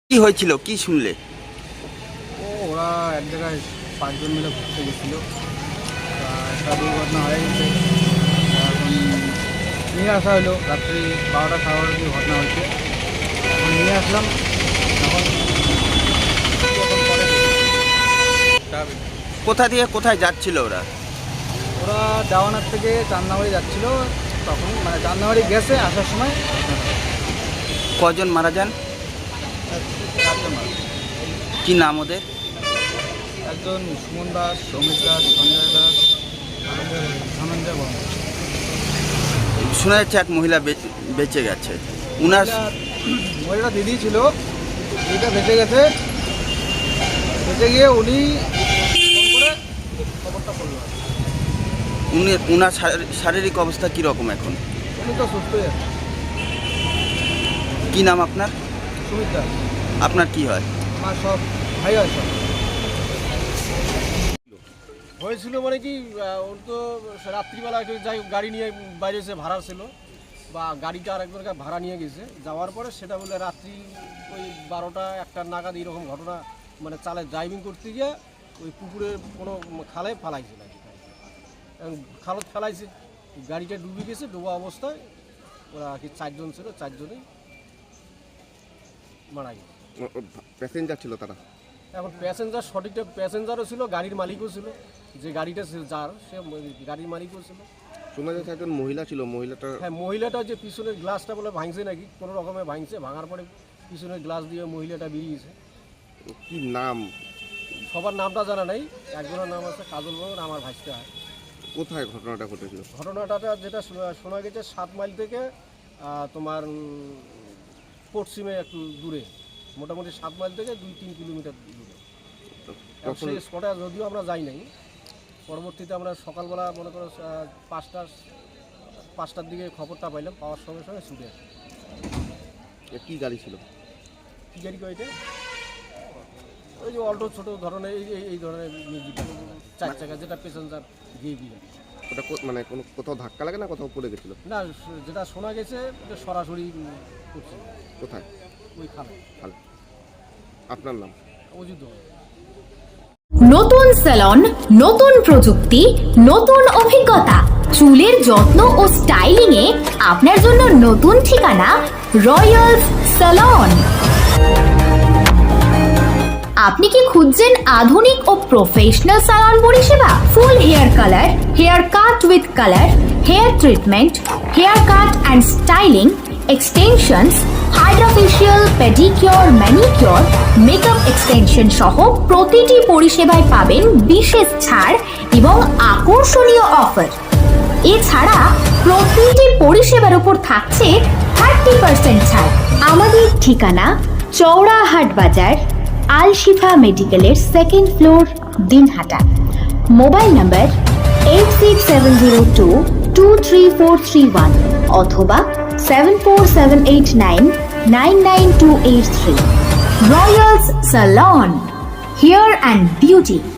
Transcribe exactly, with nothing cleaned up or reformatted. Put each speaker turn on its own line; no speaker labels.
কি হয়েছিল, কি শুনলে?
ও ওরা এক জায়গায় পাঁচজন মিলে ঘুরতে গেছিল, একটা দুর্ঘটনা হয়ে গেছে। এখন নিয়ে আসা হলো, রাত্রি বারোটা সাড়ে বারোটার দিকে ঘটনা হয়েছে। এখন নিয়ে আসলাম। এখন এখন পরে
কোথা দিয়ে কোথায় যাচ্ছিল ওরা?
ওরা দেওয়ানার থেকে চান্নাবাড়ি যাচ্ছিল, তখন মানে চান্নাবাড়ি গেছে আসার সময়
কজন মারা যান?
চারজন মারা।
কি নাম ওদের?
একজন সুমন দাস, সৌমিক দাস, সঞ্জয় দাস, ধনঞ্জয় বর্মন।
শোনা যাচ্ছে এক মহিলা বে- বেঁচে গেছে। উনার
মহিলাটা দিদি ছিল, দিদিটা বেঁচে গেছে। বেঁচে গিয়ে উনি ফোন করে খবরটা করলো।
উনি উনার শারী- শারীরিক অবস্থা কীরকম এখন?
উনি তো সুস্থই আছে।
কি নাম আপনার?
সুমিত দাস।
আপনার কি হয়?
আমার সব ভাই হয় সব।
হয়েছিল মানে কি, আহ, ওর তো রাত্রিবেলা একটু যাই গাড়ি নিয়ে বাইরে এসে ভাড়া ছিল, বা গাড়িটা আরেকজনকে ভাড়া নিয়ে গেছে। যাওয়ার পরে সেটা বলে রাত্রি ওই বারোটা একটা নাগাদ এইরকম ঘটনা, মানে চালে ড্রাইভিং করতে গিয়ে ওই পুকুরের কোনো খালে ফালাইছিল আর কি। এখন খালত ফেলাইছে, গাড়িটা ডুবে গেছে। ডোবা অবস্থায় ওরা আর কি চারজন ছিল, চারজনেই মারা গেছে।
প্যাসেঞ্জার ছিল তারা?
এখন প্যাসেঞ্জার সঠিকটা প্যাসেঞ্জারও ছিল, গাড়ির মালিকও ছিল। যে গাড়িটা ছিল- যার সে গাড়ির মালিকও ছিল।
শোনা যাচ্ছে একজন মহিলা ছিল, মহিলাটা
হ্যাঁ, মহিলাটা যে পিছনের গ্লাসটা বলে ভাঙছে নাকি, কোনো রকমে ভাঙছে। ভাঙার পরে পিছনের গ্লাস দিয়ে মহিলাটা বেরিয়েছে।
কি নাম?
সবার নামটা জানা নাই। একজনের নাম আছে কাজল বর্মন, আমার ভাইসটা হয়।
কোথায় ঘটনাটা ঘটেছিল?
ঘটনাটা যেটা শোনা- শোনা গেছে সাত মাইল থেকে আহ, তোমার উম, পশ্চিমে একটু দূরে, মোটামুটি সাত মাইল থেকে দুই তিন কিলোমিটার দূরে। এখন
তখন
সেই স্পটে যদিও আমরা যাই নাই, পরবর্তীতে আমরা সকালবেলা মনে করো আহ, পাঁচটা পাঁচটার দিকে খবরটা পাইলাম। পাওয়ার সঙ্গে সঙ্গে ছুটে আসি।
এ কি গাড়ি ছিল?
কী গাড়ি কয়টা? ওই যে অল্টো ছোটো ধরনের এই এই- এই ধরনের মিউজিক চার চাকা, যেটা প্যাসেঞ্জার গিয়ে দিয়ে।
ওটা কো- মানে কোনো কোথাও ধাক্কা লাগে না কোথাও পড়ে গেছিল?
না, যেটা শোনা গেছে এটা সরাসরি করছে
কোথায়?
ওই খালে।
ভালো। আপনার নাম?
অযুদ্ধ।
নতুন স্যালন, নতুন প্রযুক্তি, নতুন অভিজ্ঞতা, চুলের যত্ন ও স্টাইলিং এ আপনার জন্য নতুন ঠিকানা রয়্যালস স্যালন। আপনি কি খুঁজছেন আধুনিক ও প্রফেশনাল স্যালন পরিষেবা? Full hair colour, hair cut with colour, hair treatment, hair cut and styling, extensions, hydrofacial, pedicure, manicure, makeup extension সহ প্রতিটি পরিষেবায় পাবেন বিশেষ ছাড় এবং আকর্ষণীয় অফার। এছাড়া প্রতিটি পরিষেবার উপর থাকছে থার্টি পার্সেন্ট ছাড়। আমাদের ঠিকানা চৌড়াহাট বাজার, আল শিফা মেডিকেলের second floor, Dinhata. Mobile number eight six seven zero two two three four three one অথবা seven four seven eight nine nine nine two eight three. Royals salon, hair and beauty.